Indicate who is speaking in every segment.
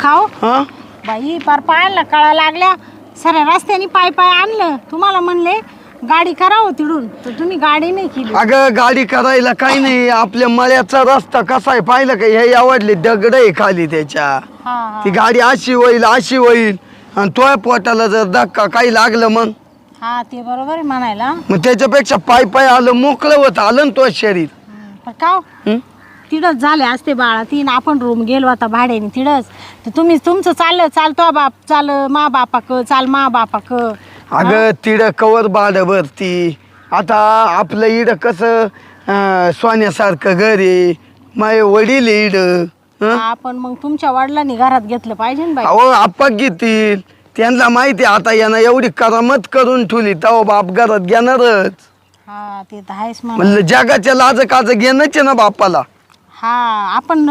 Speaker 1: खाओ
Speaker 2: हा
Speaker 1: बाई पार पायाला कळा लागल्या सऱ्या रस्त्याने पाय पाय आणलं तुम्हाला म्हणले गाडी करावं तिडून तर तुम्ही गाडी नाही केली.
Speaker 2: अगं गाडी करायला काही नाही आपल्या मळ्याचा रस्ता कसा आहे पाहिलं का हे आवडले दगड आहे खाली त्याच्या
Speaker 1: हा
Speaker 2: ती गाडी अशी होईल आणि तोय पोटाला जर धक्का काही लागलं मग
Speaker 1: हा ते बरोबर आहे म्हणायला.
Speaker 2: मग त्याच्यापेक्षा पाय पाय आलं मोकळं होत आलं ना तो शरीर.
Speaker 1: पण का तिडच झाले असते बाळा तीन आपण रूम गेलो आता भाड्याने तिडच तर तुम्ही तुमचं चाललं चालतो बाप चाल मा बापाक चाल मा बापाक.
Speaker 2: अगं तिड कवर बाड भरती आता आपलं इड कसं सोन्यासारखं घर आहे माय वडील इड
Speaker 1: आपण मग तुमच्या वडिलांनी घरात घेतलं पाहिजे ना बाई.
Speaker 2: अहो आपा घेतील त्यांना माहिती आता यांना एवढी करामत करून ठेवली तेव्हा बाप घरात घेणारच.
Speaker 1: हा ते तर आहेच
Speaker 2: म्हणलं जगाच्या लाज काज घेणंच आहे ना बापाला.
Speaker 1: हा आपण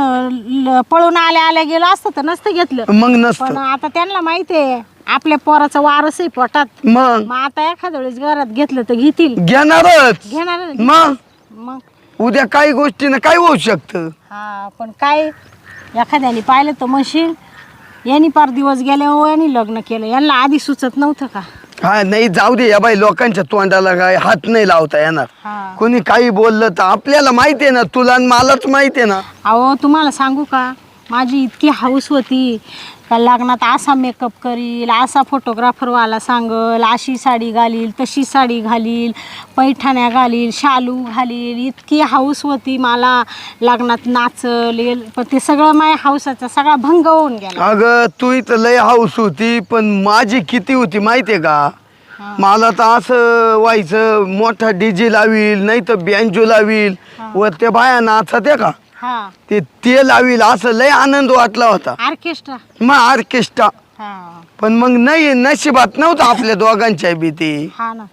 Speaker 1: पळून आल्या आल्या गेलो असतं तर नसतं घेतलं
Speaker 2: मग
Speaker 1: पण
Speaker 2: नसतं
Speaker 1: आता त्यांना माहिती आहे आपल्या पोराचं वारस आहे पोटात
Speaker 2: मग
Speaker 1: आता एखाद्या वेळेस घरात घेतलं तर घेतील
Speaker 2: घेणारच
Speaker 1: घेणार
Speaker 2: मग
Speaker 1: मग
Speaker 2: उद्या काही गोष्टीनं काय होऊ शकतं.
Speaker 1: हा पण काय एखाद्याने पाहिलं तर म्हणशील यांनी पार दिवस गेले हो यांनी लग्न केलं यांना आधी सुचत नव्हतं का.
Speaker 2: हा नाही जाऊ दे या बाई लोकांच्या तोंडाला काय हात नाही लावता येणार.
Speaker 1: हा
Speaker 2: कोणी काही बोललं तर आपल्याला माहिती आहे ना तुला आणि मलाच माहिती आहे ना.
Speaker 1: अहो तुम्हाला सांगू का माझी इतकी हौस होती का लग्नात असा मेकअप करील असा फोटोग्राफरवाला सांगल अशी साडी घालील तशी साडी घालील पैठण्या घालील शालू घालील इतकी हौस होती मला लग्नात नाचल पण ते सगळं माझ्या हौसाचा सगळा भंग होऊन गेला.
Speaker 2: अगं तू इथं लय हाऊस होती पण माझी किती होती माहिती आहे का. मला तर असं व्हायचं मोठा डीजे लावील नाही तर बँजो लावील व त्या बाया नाचत आहे का
Speaker 1: हा
Speaker 2: ते लावील असं लय आनंद वाटला होता.
Speaker 1: ऑर्केस्ट्रा
Speaker 2: मग ऑर्केस्ट्रा
Speaker 1: हा
Speaker 2: पण मग नाही नशिबात नव्हतं आपल्या दोघांच्या भीती
Speaker 1: हा ना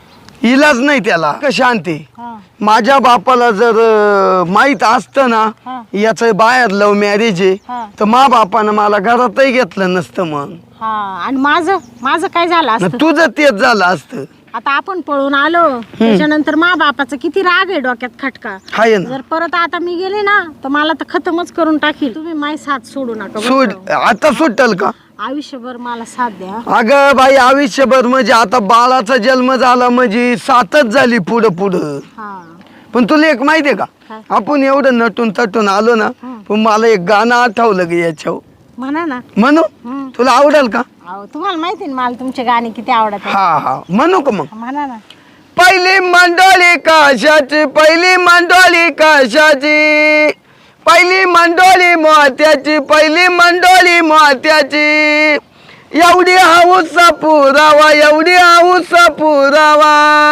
Speaker 2: इलाज नाही त्याला शांती.
Speaker 1: हा
Speaker 2: माझ्या बापाला जर माहित असतं ना
Speaker 1: हा
Speaker 2: याचं बाहेर लव्ह मॅरेज आहे
Speaker 1: हा
Speaker 2: तर मा बापानं मला घरातही घेतलं नसतं. मग
Speaker 1: हा आणि माझं काय झालं असतं
Speaker 2: तुझं तेच झालं असतं.
Speaker 1: आता आपण पळून आलो त्याच्यानंतर मा बापाचा किती राग आहे डोक्यात खटका.
Speaker 2: हाय ना
Speaker 1: जर परत आता मी गेले ना तर मला तर खतमच करून टाकील. तुम्ही माझी साथ सोडू नका बरं
Speaker 2: सोड
Speaker 1: का?
Speaker 2: आता सुटल का.
Speaker 1: आयुष्यभर मला साथ द्या.
Speaker 2: अगं बाई आयुष्यभर म्हणजे आता बाळाचा जन्म झाला म्हणजे सातच झाली पुढं पुढं.
Speaker 1: हा
Speaker 2: पण तुला एक माहितीये का
Speaker 1: काय?
Speaker 2: आपण एवढं नटून तटून आलो ना पण मला एक गाणं आठवलं ग याच्यावर
Speaker 1: म्हणा ना.
Speaker 2: म्हणू
Speaker 1: हम्म.
Speaker 2: तुला आवडेल का.
Speaker 1: अहो तुम्हाला माहिती ना मला तुमचे गाणे किती आवडत आहेत.
Speaker 2: हा हा म्हणू का मग.
Speaker 1: म्हणा ना.
Speaker 2: पहिली मंडोळी कशाची पहिली मंडोळी कशाची पहिली मंडोळी मोत्याची पहिली मंडोळी मोत्याची एवढी हाऊसा पुरावा एवढी हाऊसा पुरावा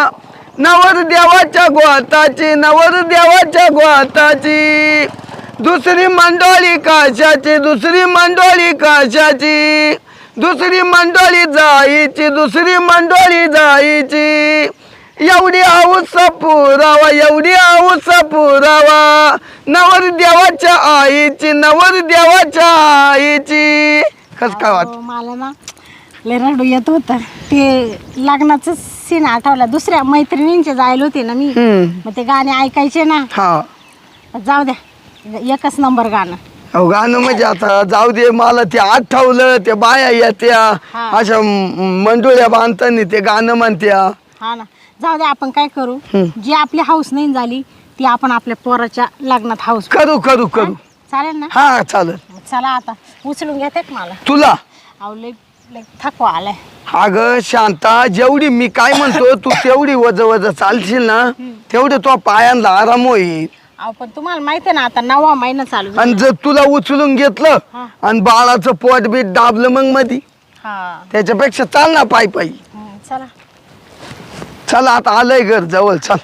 Speaker 2: नवर देवाच्या गोताची नवर देवाच्या गोताची दुसरी मंडोळी कशाची दुसरी मंडोळी कशाची दुसरी मंडोळी जायची दुसरी मंडोळी जायची एवढी हाऊस पुरावा एवढी हाऊस पुरावा नवर देवाच्या आईची नवर देवाच्या आईची. कस काय वाट
Speaker 1: अहो, मला ना लय रडू येत होतं ते लग्नाचं सीन आठवला. दुसऱ्या मैत्रिणींचे जायला होते ना मी मग ते गाणे ऐकायचे ना.
Speaker 2: हा
Speaker 1: जाऊ द्या एकच नंबर गाणं.
Speaker 2: अहो गाणं म्हणजे आता जाऊ दे मला ते आठवलं ते बाया येत्या
Speaker 1: हा.
Speaker 2: अशा मंडोळ्या बांधताना ते गाणं म्हणत्या.
Speaker 1: हा ना जाऊ द्या आपण काय करू जी आपली हाऊस नाही झाली ती आपण आपल्या पोराच्या लग्नात हाऊस
Speaker 2: करू करू करू
Speaker 1: चालेल ना.
Speaker 2: हा चालेल.
Speaker 1: चला आता उचलून घेते का मला.
Speaker 2: तुला
Speaker 1: अहो लय लय थकवा आलाय.
Speaker 2: अगं शांता जेवढी मी काय म्हणतो तू तेवढी वज वज चालशील ना तेवढं तो पायांना आराम होईल.
Speaker 1: अहो पण तुम्हाला माहिती आहे ना आता 9वा महिना चालू झाला.
Speaker 2: आणि जर तुला उचलून घेतलं
Speaker 1: हा.
Speaker 2: आणि बाळाचं पोट बीट दाबलं मग मधी
Speaker 1: हा
Speaker 2: त्याच्यापेक्षा चाल ना पायी पायी.
Speaker 1: चला
Speaker 2: चला आता आलंय घर जवळ चल.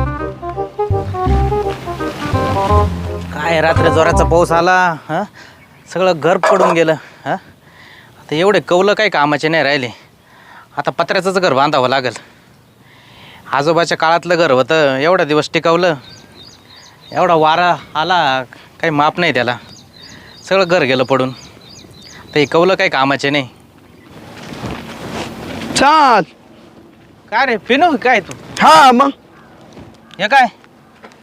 Speaker 3: काय रात्री जोराचा पाऊस आला हा सगळं घर पडून गेलं हा आता एवढे कौलं काय कामाचे नाही राहिले. आता पत्र्याचंच घर बांधावं लागेल. आजोबाच्या काळातलं घर होतं एवढा दिवस टिकवलं एवढा वारा आला काही माप नाही त्याला सगळं घर गेलं पडून. तर हे कौलं काही कामाचे नाही.
Speaker 2: चाल.
Speaker 3: काय रे फिनू काय तू
Speaker 2: हा मग
Speaker 3: हे काय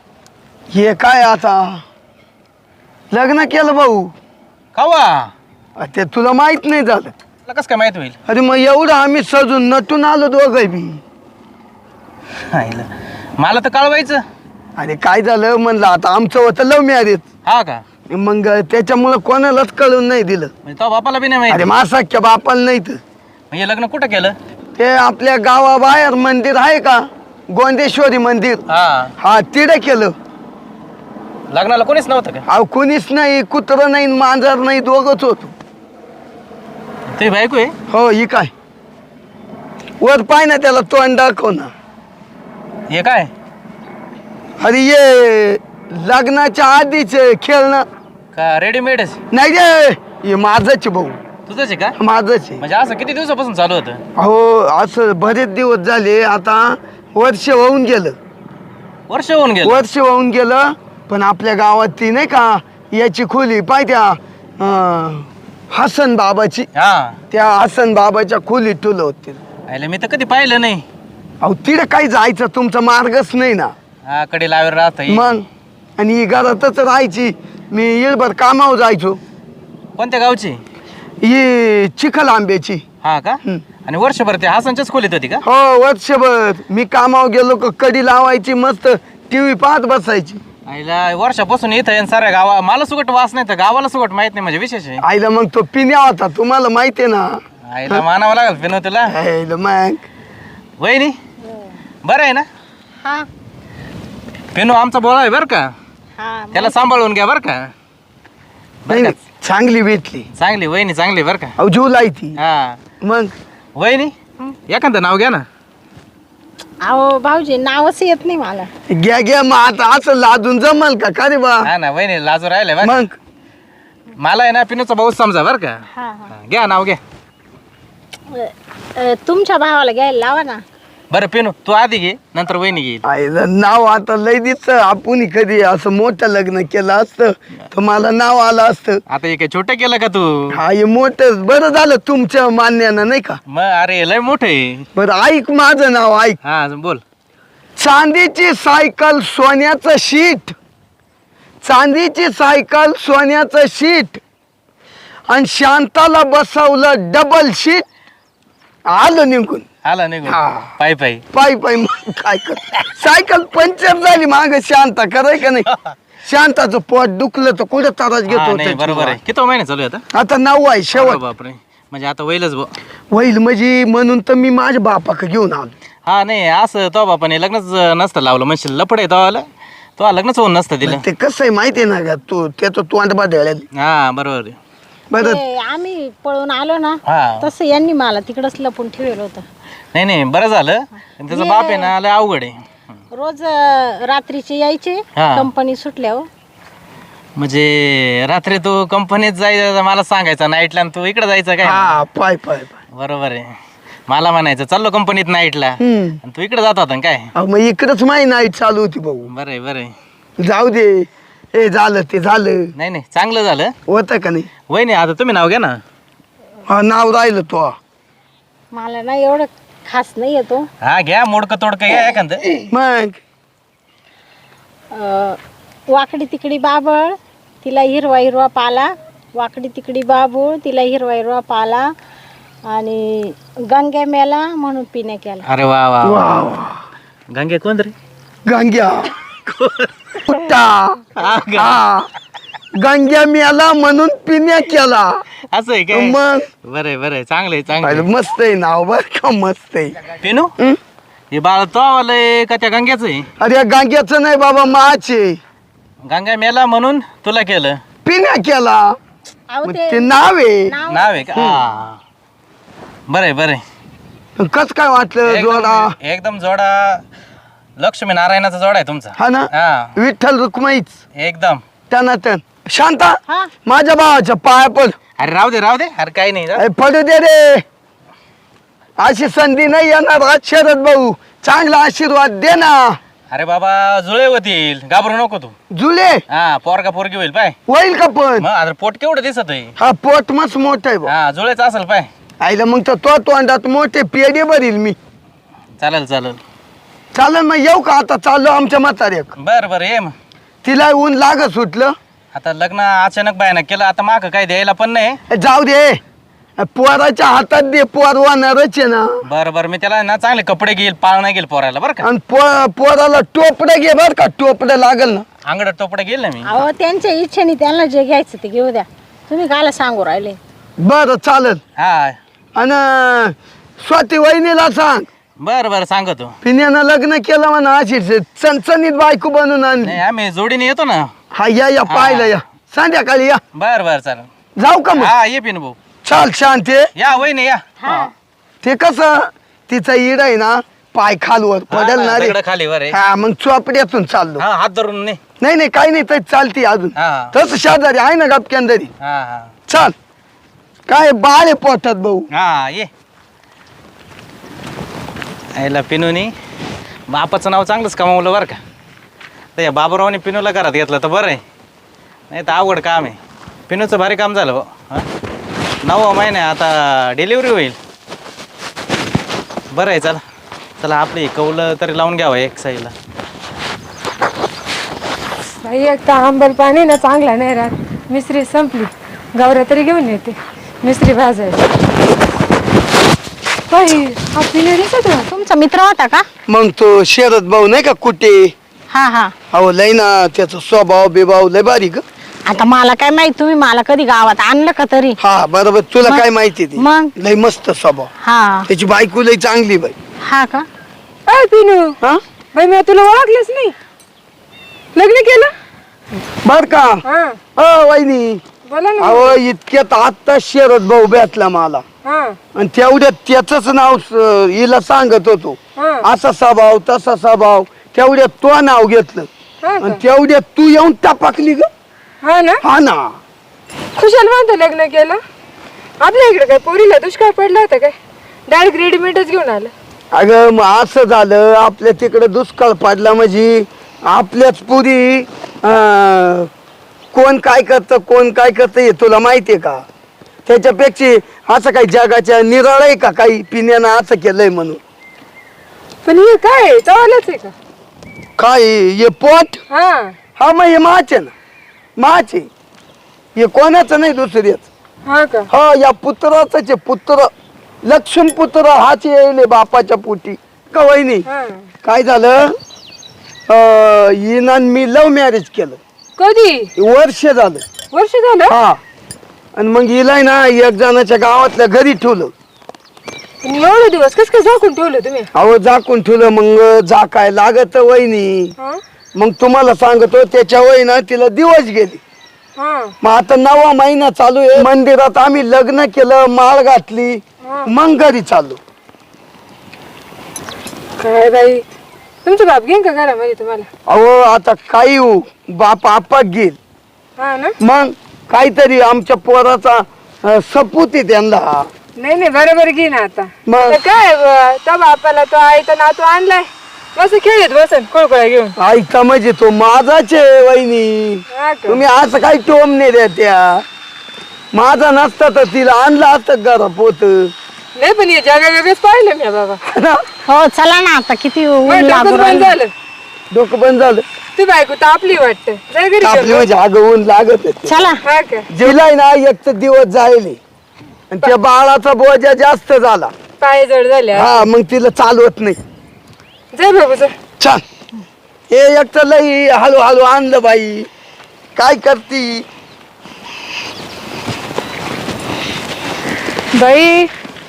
Speaker 2: हे काय आता लग्न केलं भाऊ.
Speaker 3: कवा
Speaker 2: ते तुला माहित नाही झालं.
Speaker 3: तुला कसं काय माहित होईल?
Speaker 2: अरे मग एवढं आम्ही सजून नटून आलो दोघं बी.
Speaker 3: आईला. मला तर कळवायचं.
Speaker 2: अरे काय झालं म्हणलं आता आमचं होतं लव्ह मॅरेज.
Speaker 3: हा का?
Speaker 2: मग त्याच्यामुळं कोणालाच कळून नाही दिलं.
Speaker 3: म्हणजे तो बापाला बी नाही
Speaker 2: अरे
Speaker 3: माहिती.
Speaker 2: मासाख्या बापाला नाही तर.
Speaker 3: म्हणजे लग्न कुठं केलं?
Speaker 2: ते आपल्या गावाबाहेर मंदिर आहे का, गोंदेश्वरी मंदिर,
Speaker 3: हा.
Speaker 2: हा तिथे केलं.
Speaker 3: लग्नाला कोणीच नव्हतं का?
Speaker 2: अहो कुणीच नाही, कुत्रं नाही मांजर नाही, दोघंच होतो.
Speaker 3: तुझी बायको आहे?
Speaker 2: हो ही काय वर पाय ना, त्याला तोंड दाखव ना.
Speaker 3: हे काय?
Speaker 2: अरे ये लग्नाच्या आधीच खेळणं
Speaker 3: का रेडीमेड
Speaker 2: नाही रे, हे माझंच भाऊ,
Speaker 3: तुझंच आहे का?
Speaker 2: माझंच आहे.
Speaker 3: म्हणजे असं किती दिवसापासून चालू होतं?
Speaker 2: अहो असं बरेच दिवस झाले, आता वर्ष होऊन गेलं.
Speaker 3: वर्ष होऊन गेलं.
Speaker 2: वर्ष होऊन गेलं. पण आपल्या गावात ती नाही का याची खोली पाहित्या हसन बाबाची,
Speaker 3: हा.
Speaker 2: त्या हसन बाबाच्या खोलीत ठुलं होते.
Speaker 3: आईला मी तर कधी पाहिलं नाही.
Speaker 2: अहो तिथे काही जायचं तुमचा मार्गच नाही ना.
Speaker 3: हा, कडे लावेर राहत.
Speaker 2: मग आणि ही घरातच राहायची. मी येळभर कामावर जायचो.
Speaker 3: कोणत्या गावची?
Speaker 2: ही चिखल आंब्याची.
Speaker 3: हा का?
Speaker 2: हं.
Speaker 3: आणि वर्षभर ते हसनच्याच खोलीत होती का?
Speaker 2: हो वर्षभर मी कामावर गेलो का कडी लावायची, मस्त टीव्ही पाहत बसायची.
Speaker 3: आईला वर्षापासून इथं आहे साऱ्या गावा मला सुगट वास नाही तर गावाला सुगट माहित नाही म्हणजे विशेष आहे.
Speaker 2: आईला मग तो पिण्या होता, तुम्हाला माहिती आहे ना.
Speaker 3: आईला मानावं लागेल पिनो तुला.
Speaker 2: आईला मग
Speaker 3: वहिनी बरं आहे ना?
Speaker 1: हा
Speaker 3: पिनो आमचा बोला आहे बरं का,
Speaker 1: हा
Speaker 3: त्याला सांभाळून घ्या बरं का.
Speaker 2: नाही
Speaker 3: बरं का?
Speaker 2: नाही, चांगली भेटली.
Speaker 3: चांगली वहिनी चांगली बरं का.
Speaker 2: अहो जीव लायती.
Speaker 3: हा
Speaker 2: मग
Speaker 3: वहिनी एखादं नाव घ्या ना.
Speaker 1: अहो भाऊजी नावच येत नाही मला.
Speaker 2: घ्या घ्या, मग आता असं लादून जमल का का रे बा.
Speaker 3: हा ना वहिनी लाजू राहिले बरं का.
Speaker 2: मग
Speaker 3: मला आहे ना पिनूचा भाऊ समजा बरं का.
Speaker 1: हा
Speaker 3: हा, घ्या नाव घ्या.
Speaker 1: तुमच्या भावाला घ्यायला लावा ना.
Speaker 3: बरं पिनू तू आधी घे नंतर वहिनी घेईल.
Speaker 2: आईला नाव आता लय दिसत. आपण कधी असं मोठं लग्न केलं असतं तर मला नाव आलं असतं.
Speaker 3: आता हे काय छोटं केलं का तू?
Speaker 2: हा हे मोठं बरं झालं तुमच्या मान्यानं नाही का.
Speaker 3: मग अरे लय मोठं आहे.
Speaker 2: बरं ऐक माझं नाव ऐक.
Speaker 3: हा बोल.
Speaker 2: चांदीची सायकल सोन्याचं शीट, चांदीची सायकल सोन्याचं शीट, आणि शांताला बसवलं डबल शीट. आलो निघून.
Speaker 3: आला निघून
Speaker 2: हा.
Speaker 3: पायी पायी.
Speaker 2: पायी पायी. मग काय कर, सायकल पंक्चर झाली माग. शांता कराय का नाही. शांताचं पोट दुखलं तर कुठं त्रास
Speaker 3: हा,
Speaker 2: घेतो
Speaker 3: नाही बरोबर आहे. किती महिने चालू आहे आता?
Speaker 2: आता 9 आहे
Speaker 3: अरे
Speaker 2: शेवट.
Speaker 3: बापरे म्हणजे आता वैलच भाऊ.
Speaker 2: होईल म्हणजे म्हणून तर मी माझ्या बापाक घेऊन आलो.
Speaker 3: हा नाही असं तो बापाने लग्नच नसतं लावलं म्हणजे लपड आहे तो आलं तो लग्नच होऊन नसतं दिलं.
Speaker 2: ते कसं आहे माहितीये ना का, तू त्याचं तोंड बाधळेल.
Speaker 3: हा बरोबर आहे.
Speaker 2: बरं
Speaker 1: ते आम्ही पळून आलो ना,
Speaker 3: हा
Speaker 1: तसं यांनी मला तिकडच लपून ठेवलं होतं.
Speaker 3: नाही नाही बरं झालं. पण त्याचा बाप आहे ना लय अवघड आहे.
Speaker 1: रोज रात्रीचे यायचे
Speaker 3: हा.
Speaker 1: कंपनी सुटल्यावर.
Speaker 3: म्हणजे रात्री तू कंपनीत जायचं मला सांगायचं नाईटला आणि तू इकडे जायचं काय.
Speaker 2: हा पाय पाय पाय.
Speaker 3: बरोबर आहे. मला म्हणायचं चाललो कंपनीत नाईटला आणि तू इकडे जात होता ना काय.
Speaker 2: अहो, मग इकडंच माझी नाईट चालू होती भाऊ.
Speaker 3: बरं आहे बरं आहे.
Speaker 2: जाऊ दे, हे झालं ते झालं.
Speaker 3: नाही नाही चांगलं झालं.
Speaker 2: होतं का नाही.
Speaker 3: वहिनी आता तुम्ही नाव घ्या ना.
Speaker 2: हा नाव राहिलं तो.
Speaker 1: मला ना एवढं खास नाही येतो.
Speaker 3: हा घ्या मोडकं तोडकं घ्या एखादं.
Speaker 2: मग
Speaker 1: वाकडी तिकडी बाबळ तिला हिरवा हिरवा पाला, वाकडी तिकडी बाबूळ तिला हिरवा हिरवा पाला, आणि गंग्या मेला म्हणून पिण्या केला.
Speaker 3: अरे वा वा वा.
Speaker 2: वा वा.
Speaker 3: गंगे कोण रे?
Speaker 2: गंग्या कुट्टा.
Speaker 3: हा का?
Speaker 2: हा गंग्या मिळाला म्हणून पिण्या केला.
Speaker 3: असं आहे काय?
Speaker 2: मग
Speaker 3: बरं आहे बरं आहे चांगलं आहे चांगलं
Speaker 2: पाहिलं,
Speaker 3: आहे.
Speaker 2: मस्त आहे नाव बर का, मस्त आहे.
Speaker 3: पिनू
Speaker 2: हं?
Speaker 3: हे बाळ तो आलंय का त्या गंग्याचं आहे?
Speaker 2: अरे गंग्याचं नाही बाबा, माचे
Speaker 3: गंगा मेला म्हणून तुला केलं.
Speaker 2: पिण्या केला.
Speaker 1: अहो
Speaker 2: मग
Speaker 1: ते
Speaker 2: ते नाव आहे.
Speaker 1: नाव
Speaker 3: नाव आहे का? हा. बरं आहे बरं आहे.
Speaker 2: कस काय वाटलं जोडा.
Speaker 3: एकदम जोडा लक्ष्मी नारायणाचा जोडा आहे तुमचा.
Speaker 2: हा ना,
Speaker 3: हा
Speaker 2: विठ्ठल रुक्माईच
Speaker 3: एकदम.
Speaker 2: त्यांना त्यान. शांता
Speaker 1: हा
Speaker 2: माझ्या भावाच्या पाया पड.
Speaker 3: अरे राहू दे अरे काही नाही.
Speaker 2: अरे पडू दे रे, अशी संधी नाही येणार. आज शरद भाऊ चांगला आशीर्वाद दे ना.
Speaker 3: अरे बाबा जुळे होतील घाबरू नको तू.
Speaker 2: जुले
Speaker 3: हा पोरगा पोरगी होईल पाय.
Speaker 2: होईल का पण.
Speaker 3: मग आता पोट केवढं दिसत आहे.
Speaker 2: हा पोट मस्त मोठा आहे भाऊ.
Speaker 3: हा जुळेच असेल पाय.
Speaker 2: आईला मग तर तो तोंडात मोठे पेढे भरील मी.
Speaker 3: चालेल चालेल.
Speaker 2: चालेल मग येऊ का आता. चाललो आमच्या म्हाताऱ्याक.
Speaker 3: बरं बरं ये मग.
Speaker 2: तिला ऊन लागत सुटलं.
Speaker 3: आता लग्न अचानक बायनं केलं, आता माग काय द्यायला पण नाही.
Speaker 2: जाऊ दे, पोराच्या हातात दे, पोर वाहणारच आहे ना.
Speaker 3: बरं बरं, मी त्याला ना चांगले कपडे घेईल, पाळणा घेईल पोराला बरं का.
Speaker 2: आणि पोराला टोपडं घे बर का, टोपडं लागल ना.
Speaker 3: अंगडात टोपडे घेईल ना मी.
Speaker 1: अहो त्यांच्या इच्छेने त्यांना जे घ्यायचं ते घेऊ द्या, तुम्ही कायला सांगू राहिले.
Speaker 2: बरं चालेल.
Speaker 3: हा
Speaker 2: आणि स्वाती वहिनीला सांग,
Speaker 3: बरं बरं सांगतो.
Speaker 2: पिण्यानं लग्न केलं म्हणा, अशीच चणचणीत बायको बनून आणली.
Speaker 3: नाही आम्ही जोडीने येतो ना.
Speaker 2: हा या पाहिलं या, संध्याकाळी या.
Speaker 3: बरं बरं चालेल.
Speaker 2: जाऊ का मग?
Speaker 3: हा ये पिनू भाऊ.
Speaker 2: चाल शांती.
Speaker 3: या वहिनी या.
Speaker 2: ते कसं तिचा इड आहे ना, पाय खालवर पडेल ना रे.
Speaker 3: दगडं खाली वर आहे.
Speaker 2: हा मग चोपड्यातून चाललो.
Speaker 3: हा हात धरून नाही.
Speaker 2: नाही काही नाही, तर चालती अजून.
Speaker 3: हा
Speaker 2: तस शेजारी आहे ना गपक्यांदरी.
Speaker 3: हा हा
Speaker 2: चाल. काय बाळ आहे पोटात भाऊ.
Speaker 3: हा ये. याला पिनूनी बापाचं नाव चांगलंच कमावलं बरं का. तर या बाबूरावने पिनूला घरात घेतलं तर बरं आहे, नाही तर अवघड काम आहे. पिनूचं भारी काम झालं भाऊ. हां 9वा महिना आता डिलिव्हरी होईल. बरं आहे, चला चला आपली कौलं तरी लावून घ्यावं एक साईडला.
Speaker 4: बाई एक तर आंबल पाणी ना चांगला नाही राहत. मिसरी संपली, गवऱ्या तरी घेऊन येते मिसरी भाजायला. बाई हा पिणे दिसत ना.
Speaker 1: तुमचा मित्र होता का?
Speaker 2: मग तो शरद भाऊ नाही का कुठे,
Speaker 1: हा हा.
Speaker 2: अहो लय ना त्याचा स्वभाव बिभाव लय भारी ग.
Speaker 1: आता मला काय माहित, तुम्ही मला कधी गावात आणलं का तरी.
Speaker 2: हा बरोबर, तुला
Speaker 1: मग?
Speaker 2: काय माहिती ती
Speaker 1: मग?
Speaker 2: लय मस्त स्वभाव.
Speaker 1: हा
Speaker 2: त्याची बायको लय चांगली बाई.
Speaker 1: हा का?
Speaker 4: अय पिनू,
Speaker 2: हा
Speaker 4: बाई मी तुला ओळखलंच नाही. लग्न केलं?
Speaker 2: बर का.
Speaker 4: हा
Speaker 2: वहिनी,
Speaker 4: बोला ना.
Speaker 2: अहो इतक्यात आता शरद भाऊ भेटला मला,
Speaker 4: हा
Speaker 2: आणि तेवढ्यात त्याच नाव हिला सांगत होतो.
Speaker 4: हा
Speaker 2: असा स्वभाव तसा स्वभाव, तेवढ्यात तो नाव घेतलं.
Speaker 4: हा
Speaker 2: आणि
Speaker 4: का?
Speaker 2: तेवढ्यात तू येऊन टपकली ग.
Speaker 4: हा ना.
Speaker 2: हा ना.
Speaker 4: खुशाल म्हणतो लग्न केलं. आपल्या इकडे काय पोरीला दुष्काळ पडला होता काय? डायरेक्ट रेडीमेडच घेऊन आलं.
Speaker 2: अगं मग असं झालं, आपल्या तिकडे दुष्काळ पडला म्हणजे आपल्याच पुरी कोण काय करतं कोण काय करतं हे तुला माहितीये का. त्याच्यापेक्षा असं काही जगाच्या निराळ आहे का काही पिण्यानं असं केलंय म्हणून.
Speaker 4: पण हे काय चावलंच आहे का?
Speaker 2: काय हे पोट.
Speaker 4: हा
Speaker 2: हा मग हे माच आहे ना, माच आहे हे, कोणाचं नाही दुसऱ्याच.
Speaker 4: हा का?
Speaker 2: हा या पुत्राच आहे, पुत्र लक्ष्मी पुत्र हाच येईल बापाच्या पोटी का वहिनी.
Speaker 4: हा
Speaker 2: काय झालं, हिनं मी लव्ह मॅरेज केलं.
Speaker 4: कधी?
Speaker 2: वर्ष झालं.
Speaker 4: वर्ष झालं?
Speaker 2: हा. आणि मग हिला ना एक जणाच्या गावातल्या घरी ठेवलं.
Speaker 4: पण एवढे दिवस कस काय झाकून ठेवलं तुम्ही?
Speaker 2: अहो झाकून ठेवलं, मग झाकाय लागत वहिनी.
Speaker 4: हा
Speaker 2: मग तुम्हाला सांगतो त्याच्या वहिना तिला दिवस गेली.
Speaker 4: हा
Speaker 2: मग आता 9वा महिना चालू आहे. मंदिरात आम्ही लग्न केलं, माळ घातली,
Speaker 4: हा.
Speaker 2: मग घरी चाललो.
Speaker 4: काय बाई, तुमचं बाप घेईन का घरामध्ये तुम्हाला?
Speaker 2: अहो आता काही हो, बाप आपाक घेईल.
Speaker 4: हा ना.
Speaker 2: मग काहीतरी आमच्या पोराचा सपूत आहे त्यांना.
Speaker 4: नाही नाही बरोबर घेईन आता.
Speaker 2: मग?
Speaker 4: तर काय त्या बापाला तो आईचा नातू आणलाय, बस खेळत बसन कोळकोळा घेऊन.
Speaker 2: ऐका म्हणजे तो माझाच आहे वहिनी.
Speaker 4: हा का?
Speaker 2: तुम्ही असं काही टोम नाही द्या त्या. माझा नसता तर तिला आणलं असतं घरा पोत.
Speaker 4: नाही पण हे जगा वेगळंच पाहिलं मी बाबा.
Speaker 1: हो चला ना, आता किती ऊन
Speaker 4: माझं
Speaker 1: लागू
Speaker 4: डोकं बंद
Speaker 1: राहिलं.
Speaker 4: झालं.
Speaker 2: डोकं बंद झालं.
Speaker 4: तू बायको तापली वाटतं, जाय घरी
Speaker 2: आपली
Speaker 4: घेऊन.
Speaker 2: म्हणजे अगं ऊन लागत होते.
Speaker 1: चला.
Speaker 4: हा का?
Speaker 2: जिलाय ना एक तर दिवस जायले, आणि त्या बाळाचा बोजा जास्त झाला.
Speaker 4: पाय जड झाले.
Speaker 2: हा मग तिला चालवत नाही.
Speaker 4: जाय बाबू जा.
Speaker 2: छान. हे एक तर लई हळूहळू आणलं बाई, काय करती.
Speaker 4: बाई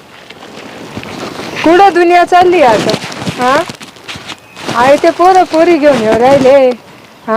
Speaker 4: कुठं दुनिया चालली आता. हा आहे ते पोरं पोरी घेऊन येऊ राहिले. हा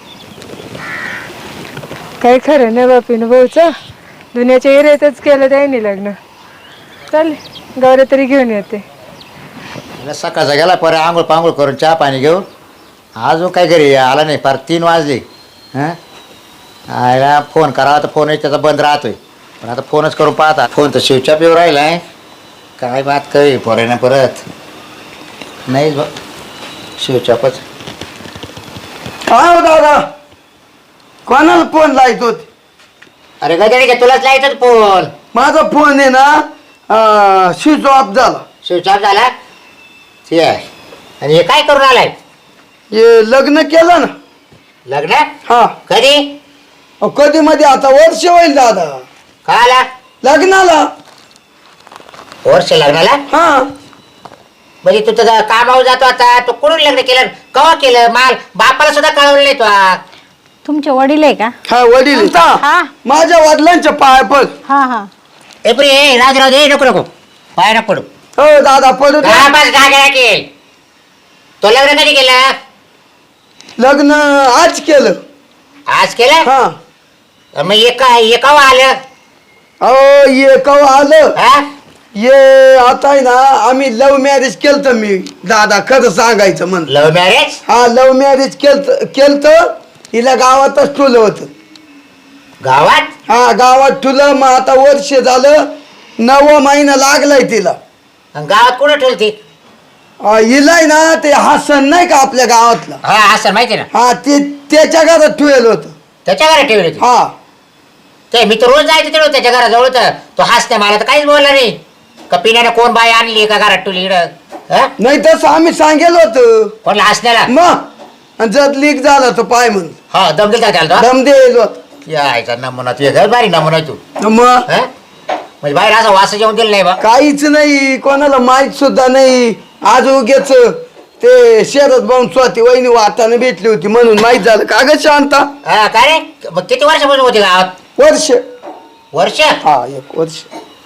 Speaker 4: काही खरं नाही बापीन भाऊचं, दुनियाच्या एरियातच केलं त्याने लग्न. चाल गौऱ्या तरी घेऊन येते.
Speaker 5: सकाळचा गेला परत आंघोळ पांघोळ करून चहा पाणी घेऊन अजून काय घरी आला नाही. फार 3 वाजले. हां आयला फोन करावा तर फोनही त्याचा बंद राहतोय. पण आता फोनच करून पाहता, फोन तर शिवच्या पिऊ राहिला आहे. काय बात काही पोराने परत नाही शिवचापच.
Speaker 2: काय हो दादा, कोणाला फोन लायत होते.
Speaker 5: अरे गदडी का तुलाच लायचं फोन.
Speaker 2: माझा फोन आहे ना स्विच ऑफ झाला.
Speaker 5: शिवचाप झाला ते आहे. आणि हे काय करून आलाय?
Speaker 2: हे लग्न केलं ना.
Speaker 5: लग्न
Speaker 2: हा
Speaker 5: कधी?
Speaker 2: कधी मध्ये आता वर्ष होईल दादा
Speaker 5: का आला
Speaker 2: लग्नाला.
Speaker 5: वर्ष लग्नाला
Speaker 2: हा
Speaker 5: म्हणजे तू तुझा कामावर जातो आता तू कुठून लग्न केलं कवा केलं माल बापाला सुद्धा कळवलं नाही तू
Speaker 1: तुमचे वडील आहे का?
Speaker 2: हा वडील
Speaker 1: हा.
Speaker 2: माझ्या वडिलांच्या पाय पड.
Speaker 1: हा हा.
Speaker 5: एप्री राजराव दे नको नको पाय नको पडू
Speaker 2: हो दादा पडू द्या.
Speaker 5: बस गाड्या केल तो लग्न कधी केलं
Speaker 2: लग्न आज केलं.
Speaker 5: आज केलं
Speaker 2: हा
Speaker 5: मग एकावं आलं
Speaker 2: अहो ये कवा आलं
Speaker 5: हा
Speaker 2: ये आता आहे ना आम्ही लव्ह मॅरेज केलं मी दादा खरं सांगायचं म्हणलं.
Speaker 5: लव्ह मॅरेज
Speaker 2: हा लव्ह मॅरेज केलत हिला गावातच ठुलं होतं.
Speaker 5: गावात
Speaker 2: हा गावात ठुलं मग आता वर्ष झालं 9वा महिना लागलाय तिला.
Speaker 5: अन गावात कुठं ठेवती
Speaker 2: हिलाय ना ते हसन नाही का आपल्या गावातला
Speaker 5: हा असं माहिती ना
Speaker 2: हा ते त्याच्या घरात ठेवलं होतं.
Speaker 5: त्याच्या घरात ठेवली होती
Speaker 2: हा
Speaker 5: ते मी तर रोज जायचं तिकडं त्याच्या घराजवळ तर तो हसते मला तर काहीच बोलला नाही का पिण्याने कोण बाई आणली का घरात ठेवली इकडं
Speaker 2: नाही तसं आम्ही सांगेल होतं
Speaker 5: कोणला हसण्याला
Speaker 2: मग जर लीक झाला तो पाय म्हणून
Speaker 5: हा दम दिलता त्याला
Speaker 2: दम देईल
Speaker 5: तो यायचा नमुना तू घर भारी नमुना आहे तू
Speaker 2: मग
Speaker 5: हा? म्हणजे बाहेर असं वास जेवण दिलं नाही बा
Speaker 2: काहीच नाही कोणाला माहित सुद्धा नाही. आज उगेच ते शरद भाऊन स्वाती वहिनी वाटाने भेटली होती म्हणून माहित झालं का ग शांता.
Speaker 5: हा, काय रे मग किती वर्षापासून होती गावात
Speaker 2: वर्ष
Speaker 5: वर्ष
Speaker 2: हा 1 वर्ष.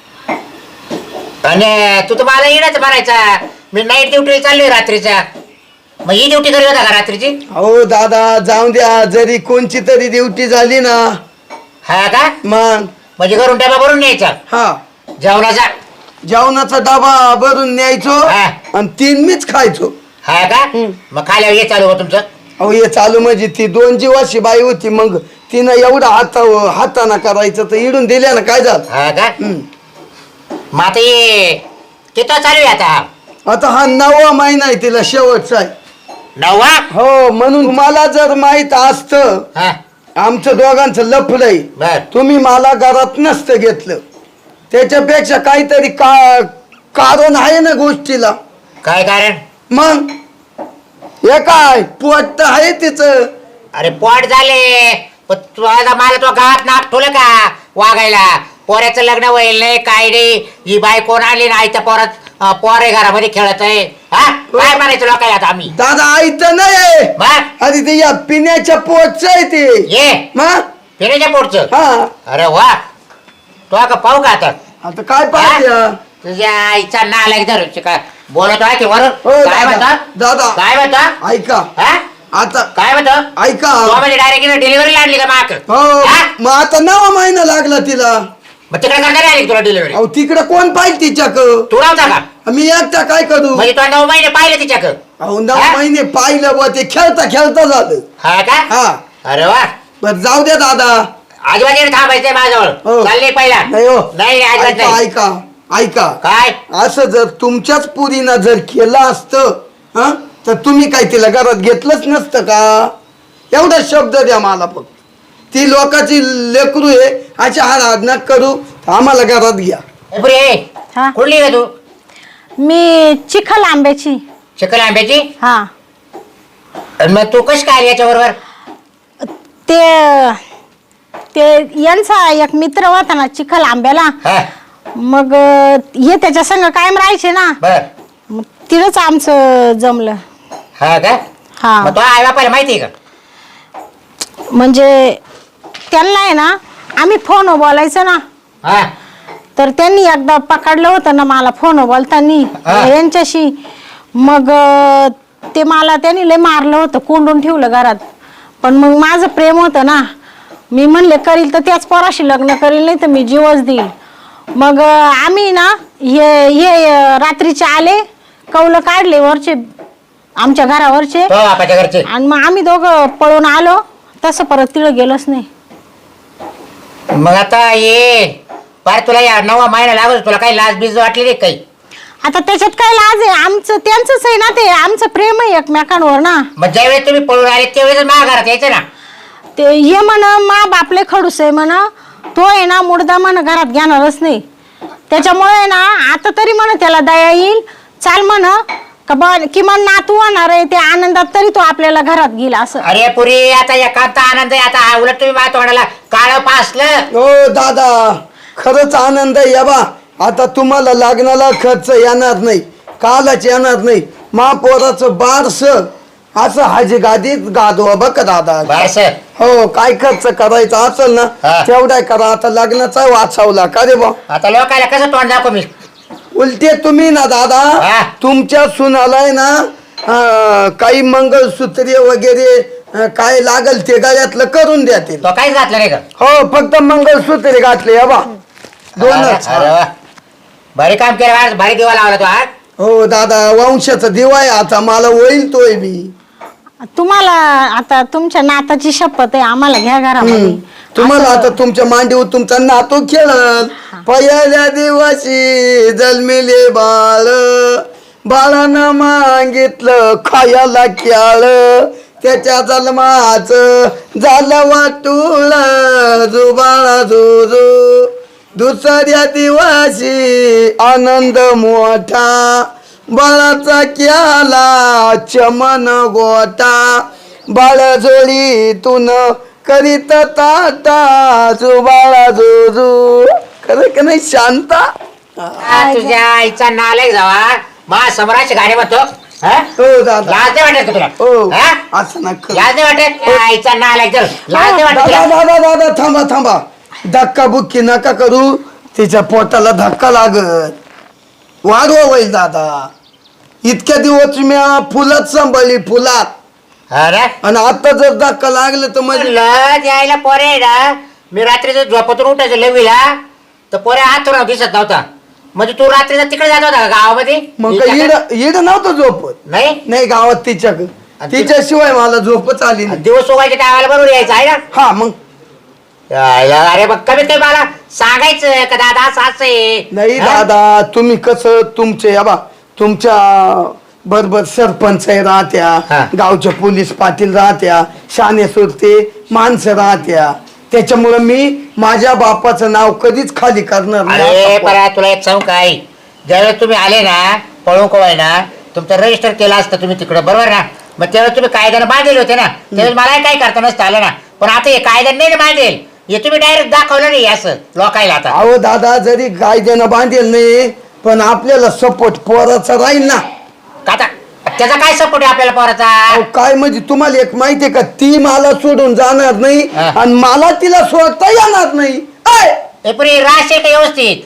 Speaker 5: आणि तू तर मला येणंच म्हणायचा मी नाईट ड्युटी चाललोय रात्रीचा मग ही ड्युटी करत होता का रात्रीची
Speaker 2: हो दादा जाऊ द्या जरी कोणची तरी ड्युटी झाली ना
Speaker 5: हा का
Speaker 2: मग
Speaker 5: म्हणजे घरून डबा भरून न्यायचा
Speaker 2: हा
Speaker 5: जेवणाचा
Speaker 2: जेवणाचा डबा भरून न्यायचो
Speaker 5: हा.
Speaker 2: आणि 3 मीच खायचो.
Speaker 5: हा का मग खाल्यावर हे चालू हो तुमचं
Speaker 2: अहो हे चालू म्हणजे ती 2 जीवाशी बाई होती मग तिनं एवढं हाताना करायचं तर इडून दिल्या ना काय झालं.
Speaker 5: हा का मग आता ये किती चालू आहे आता
Speaker 2: आता हा 9वा महिना आहे तिला शेवटचा आहे.
Speaker 5: 9वा
Speaker 2: हो म्हणून मला जर माहित असतं
Speaker 5: हा
Speaker 2: आमचं दोघांचं लफडंय
Speaker 5: बर
Speaker 2: तुम्ही मला घरात नसतं घेतलं. त्याच्यापेक्षा काहीतरी कारण आहे ना गोष्टीला.
Speaker 5: काय कारण
Speaker 2: मग हे काय पोट तर आहे तिचं.
Speaker 5: अरे पोट झाले पण तू आता मला तो गावात नाक ठेवलं का वागायला पोऱ्याचं लग्न होईल नाही काय नाही ही बाई कोण आली नाही तर पोरात पोरे घरामध्ये खेळत आहे हा काय म्हणायचं लोकांना आता आम्ही
Speaker 2: दादा आईचं नाही
Speaker 5: मग
Speaker 2: अरे ते या पिण्याच्या पोटचं आहे ते.
Speaker 5: ये
Speaker 2: मग
Speaker 5: फिरायच्या पोटचं
Speaker 2: हा
Speaker 5: अरे वा तो का पाहू का आता
Speaker 2: आता काय पाहिजे
Speaker 5: तुझ्या आईचा नालायक धरून काय बोलत आहे की वरून
Speaker 2: हो,
Speaker 5: काय
Speaker 2: दादा,
Speaker 5: म्हणता
Speaker 2: दादा.
Speaker 5: काय म्हणता
Speaker 2: ऐका
Speaker 5: हा
Speaker 2: आता
Speaker 5: काय म्हणतो
Speaker 2: ऐका
Speaker 5: तो म्हणजे डायरेक्ट डिलिव्हरी आणली का माक
Speaker 2: हो मग आता 9वा महिना लागला तिला.
Speaker 5: मग तिकडे करणार आली तुला डिलिव्हरी
Speaker 2: अहो तिकडं कोण पाहिजे तिच्याक
Speaker 5: तू नव्हता का
Speaker 2: मी एकटा काय करू.
Speaker 5: म्हणजे तुला 9 महिने पाहिले तिच्याक
Speaker 2: अहो 9
Speaker 5: हा?
Speaker 2: महिने पाहिलं बा ते खेळता खेळता झालं.
Speaker 5: हा का
Speaker 2: हा
Speaker 5: अरे वा
Speaker 2: बर जाऊ द्या दादा.
Speaker 5: आजूबाजूने थांबायचंय
Speaker 2: हो.
Speaker 5: माझ्याजवळ चालले पहिला
Speaker 2: नाही हो
Speaker 5: नाही अजिबात
Speaker 2: ऐका
Speaker 5: नाही
Speaker 2: ऐका ऐका
Speaker 5: काय
Speaker 2: असं जर तुमच्याच पुरीनं जर केलं असतं हा तर तुम्ही काय तिला घरात घेतलंच नसतं का. एवढा शब्द द्या मला फक्त. ती लोकांची लेकरू आहे अशा हाड नक करू आम्हाला घरात घ्या.
Speaker 1: हा.
Speaker 5: कुठली का तू
Speaker 1: मी चिखल आंब्याची.
Speaker 5: चिकल आंब्याची
Speaker 1: हा
Speaker 5: आणि मग तू कशी काय याच्या बरोबर
Speaker 1: ते ते यांचा एक मित्र होता ना चिखल आंब्याला
Speaker 5: हा
Speaker 1: मग हे त्याच्या संग कायम राहायचे ना
Speaker 5: बर
Speaker 1: मग तिथंच आमचं जमलं.
Speaker 5: हा का
Speaker 1: हा
Speaker 5: मग तो आई बापाला माहिती आहे का
Speaker 1: म्हणजे त्यांना आहे ना आम्ही फोन बोलायचं ना
Speaker 5: हा
Speaker 1: तर त्यांनी एकदा पकडलं होतं ना मला फोन बोलतानी
Speaker 5: हा.
Speaker 1: यांच्याशी मग ते मला त्यांनी लय मारलं होतं कोंडून ठेवलं घरात. पण मग माझं प्रेम होतं ना मी म्हणले करील तर त्याच पोराशी लग्न करील नाही तर मी जीवच देईल. मग आम्ही ना हे रात्रीचे आले कौलं काढले वरचे आमच्या घरावरचे
Speaker 5: तो बापाच्या घरचे
Speaker 1: आणि मग आम्ही दोघं पळून आलो तसं परत तिथं गेलोच नाही.
Speaker 5: मग आता ये पार तुला या 9वा महिना लागत तुला काही लाज बीज वाटली नाही काही
Speaker 1: आता त्याच्यात काय लाज आहे आमचं त्यांचंच आहे ना ते आमचं प्रेम आहे एकमेकांवर ना.
Speaker 5: मग ज्यावेळेस तुम्ही पळून आले त्यावेळेस माझ्या घरात यायचं ना
Speaker 1: ते हे म्हण मा बापले खडूस आहे म्हण तो आहे ना मुर्दा म्हण घरात घेणारच नाही त्याच्यामुळे ना आता तरी म्हण त्याला दया येईल चाल म्हण का किमान नातू होणार आहे ते आनंदात तरी तो आपल्याला घरात गेला असं.
Speaker 5: अरे पुरी आता एकांत आनंद आहे. आता उलट तुम्ही माझ्या तोंडाला काळं पासलं.
Speaker 2: हो दादा खरंच आनंद आहे. या बा आता तुम्हाला लग्नाला खर्च येणार नाही, कालच येणार नाही. महापौराचं बारस असं हाजी गादीत गादवा बघ दादा.
Speaker 5: बस
Speaker 2: हो काय खर्च करायचा असेल ना
Speaker 5: हा.
Speaker 2: तेवढा करा. आता लग्नाचा वाचवला का रे बा.
Speaker 5: आता लोकायला कसं तोंड दाखव मी.
Speaker 2: उलटे तुम्ही ना दादा
Speaker 5: हा.
Speaker 2: तुमच्या सुनालाय ना काही मंगळसूत्रे वगैरे काय लागल ते गळ्यातलं करून द्या ते.
Speaker 5: तो काहीच घातलं नाही का.
Speaker 2: हो फक्त मंगळसूत्रे घातले या बा दोनच.
Speaker 5: अरे वा. भारी काम केलं आज. भारी दिवा लावला तो आज.
Speaker 2: हो दादा वंशाचा दिवा आहे आता मला होईल तोय मी.
Speaker 1: तुम्हाला आता तुमच्या नाताची शपथ आहे आम्हाला घ्या घरामध्ये.
Speaker 2: तुम्हाला आता तुमच्या मांडीवर तुमचा नातू खेळल. पहिल्या दिवशी जन्मिले बाळ बाळानं मागितलं खायला खेळ त्याच्या जन्माच झालं वाटूळ जुबाळा जुजू. दुसऱ्या दिवशी आनंद मोठा बाळाचा केला चमन गोटा बाळजोळीतून करीत ताटा जुबाळा जुजू. खरं का नाही शांता.
Speaker 5: तुझ्या आईचा नालायक जावा मा समोराची गाडी म्हणतो.
Speaker 2: हो दादा
Speaker 5: लाज नाही वाटत का तुला.
Speaker 2: हो
Speaker 5: हा?
Speaker 2: असं नका.
Speaker 5: लाज नाही वाटत. आईचा नालायक जर लाज नाही वाटत
Speaker 2: दादा
Speaker 5: तुला?
Speaker 2: दादा दादा थांबा थांबा धक्का बुक्की नका करू. तिच्या पोटाला धक्का लागत वाढवा होईल दादा. इतक्या दिवस मी फुलात सांभाळली फुलात
Speaker 5: अरे
Speaker 2: आणि आता जर धक्का लागला तर म्हणजे
Speaker 5: म्हणलं यायला पोरे ना मी रात्रीचं झोपतून उठायचं लवीला तर पोरे हात दिसत नव्हता. म्हणजे तू रात्रीचा तिकडे जात होता का गावामध्ये.
Speaker 2: मग इड नव्हतं झोपत.
Speaker 5: नाही
Speaker 2: नाही गावात तिच्याशिवाय मला झोपच आली नाही.
Speaker 5: दिवस उगायच्या टायमाला बरोबर यायचं आहे ना.
Speaker 2: हा मग
Speaker 5: अरे मग कमीत कमी मला सांगायचं का दादा असं असं आहे.
Speaker 2: नाही
Speaker 5: हा?
Speaker 2: दादा तुम्ही कसं तुमचे या बा तुमच्या बरोबर सरपंच राहत्या
Speaker 5: हा.
Speaker 2: गावचे पोलीस पाटील राहत्या शाने सुरते माणसं राहत्या त्याच्यामुळे मी माझ्या बापाचं नाव कधीच खाली करणार
Speaker 5: अरे
Speaker 2: नाही.
Speaker 5: परा तुला एक सांगू काय ज्यावेळेस तुम्ही आले ना पळून कोवाय ना तुमचं रजिस्टर केलं असतं तुम्ही तिकडे बरोबर ना. मग त्यावेळेस तुम्ही कायद्याने बांधलेले होते ना त्यावेळेस मला काय करता नसतं आलं ना. पण आता हे कायद्याने नाही बांधेल हे तुम्ही डायरेक्ट दाखवलं नाही असं लोकायला. आता
Speaker 2: अहो दादा जरी कायद्यानं बांधेल नाही पण आपल्याला सपोर्ट पोराचा राहील ना.
Speaker 5: आता त्याचा काय सपोर्ट आहे आपल्याला पोराचा.
Speaker 2: अहो, काय म्हणजे तुम्हाला एक माहितीये का ती मला सोडून जाणार नाही
Speaker 5: हा.
Speaker 2: आणि मला तिला सोडता येणार नाही.
Speaker 5: हे पुरी राश आहे का व्यवस्थित.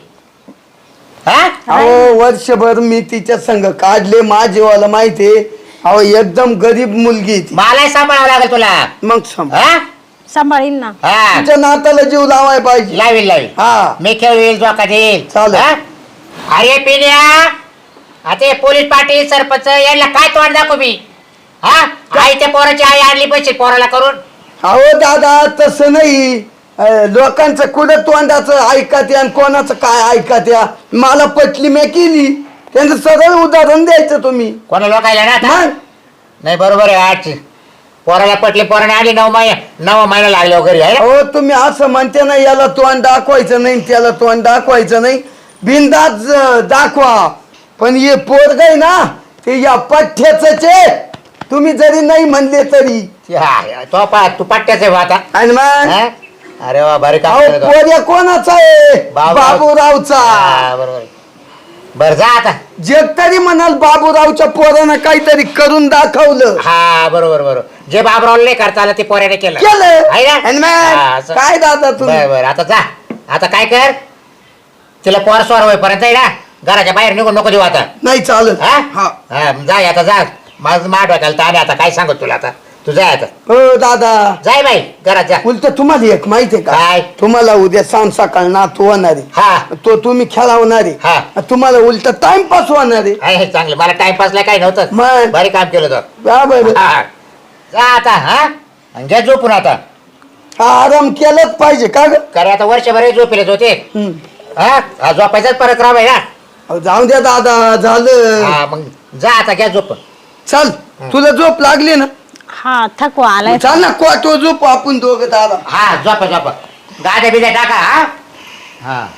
Speaker 5: हा
Speaker 2: अहो वर्षभर मी तिच्या संग काढले माझीवाला माहितीये. अहो एकदम गरीब मुलगी आहे ती.
Speaker 5: मलाही सांभाळावं लागेल तुला.
Speaker 2: मग सांग
Speaker 5: हा
Speaker 1: सांभाळीन ना.
Speaker 5: हा
Speaker 2: तुमच्या नाताला जीव लावाय पाहिजे.
Speaker 5: लावील लावील.
Speaker 2: हा
Speaker 5: मी खेळवेल जोका देईल.
Speaker 2: चालेल.
Speaker 5: हा? अरे पिण्या आता हे पोलीस पाटील सरपंच यांना काय तोंड दाखव मी. हा आई त्या पोराची आई आणली पैसे पोराला करून.
Speaker 2: अहो दादा तसं नाही. लोकांचं कुठं तोंडाचं ऐकत आणि कोणाचं काय ऐकत या मला पटली मी केली. त्यांचं सरळ उदाहरण द्यायचं तुम्ही.
Speaker 5: कोणा लोकायला ना आता?
Speaker 2: मग
Speaker 5: नाही बरोबर आहे आज पोराला पटले पोराने आली 9 महिना लागले घरी आहे ना?
Speaker 2: अहो तुम्ही असं म्हणते ना याला तोंड दाखवायचं नाही त्याला तोंड दाखवायचं नाही बिनधास्त दाखवा. पण हे पोरग आहे ना ते या पठ्याच तुम्ही जरी नाही म्हणले तरी.
Speaker 5: हा, तो तू पट्ट्याच आहे बा आता.
Speaker 2: आणि मग
Speaker 5: हा? अरे वा भारी काम
Speaker 2: अहो
Speaker 5: केलं तो.
Speaker 2: पोर्या कोणाचा आहे बाबूरावचा.
Speaker 5: हा, बरोबर आहे. बरं जा आता.
Speaker 2: जग तरी म्हणाल बाबूरावच्या पोरानं काहीतरी करून दाखवलं.
Speaker 5: हा बरोबर बरोबर जे बाबरावला नाही करता आलं ते पोऱ्याने केलं
Speaker 2: केलं
Speaker 5: आहे ना?
Speaker 2: आणि मग
Speaker 5: हा, असं.
Speaker 2: काय दादा तुम्ही
Speaker 5: बरं बरं आता जा. आता काय कर तिला पोर स्वार होईपर्यंत आहे ना घराच्या बाहेर निघून नको देऊ आता.
Speaker 2: नाही चालत.
Speaker 5: हा?
Speaker 2: हा
Speaker 5: हा, जा आता जा. माझं माठ वाटायला ताणे आता काय सांगत तुला आता. तू जाय आता.
Speaker 2: हो दादा
Speaker 5: जाय बाई घरात जा.
Speaker 2: उलट तुम्हाला एक माहितीये का
Speaker 5: काय?
Speaker 2: तुम्हाला उद्या सांग सकाळ नातू होणारे
Speaker 5: हा
Speaker 2: तो तुम्ही खेळवणारे
Speaker 5: हा.
Speaker 2: तुम्हाला उलट टाइमपास होणारे.
Speaker 5: आहे चांगलं मला टाइमपासला काही नव्हतं.
Speaker 2: मग
Speaker 5: भारी काम केलं तर.
Speaker 2: बरोबर
Speaker 5: हा. जा आता हा आणि घ्या झोपून आता.
Speaker 2: हा आराम केलाच पाहिजे का ग.
Speaker 5: कारण आता वर्षभर झोपेलेच होते.
Speaker 2: हम्म.
Speaker 5: हा झोपायचाच परत राब आहे ना.
Speaker 2: अहो, जाऊ द्या दादा झालं.
Speaker 5: हा मग जा आता घ्या झोपून.
Speaker 2: चल तुला झोप लागली ना
Speaker 1: हा थकवा आलाय.
Speaker 2: चाल ना क्वाटो झोप आपण दोघं दादा.
Speaker 5: हा झोपा झोपा गाद्या बिद्या टाका. हा हा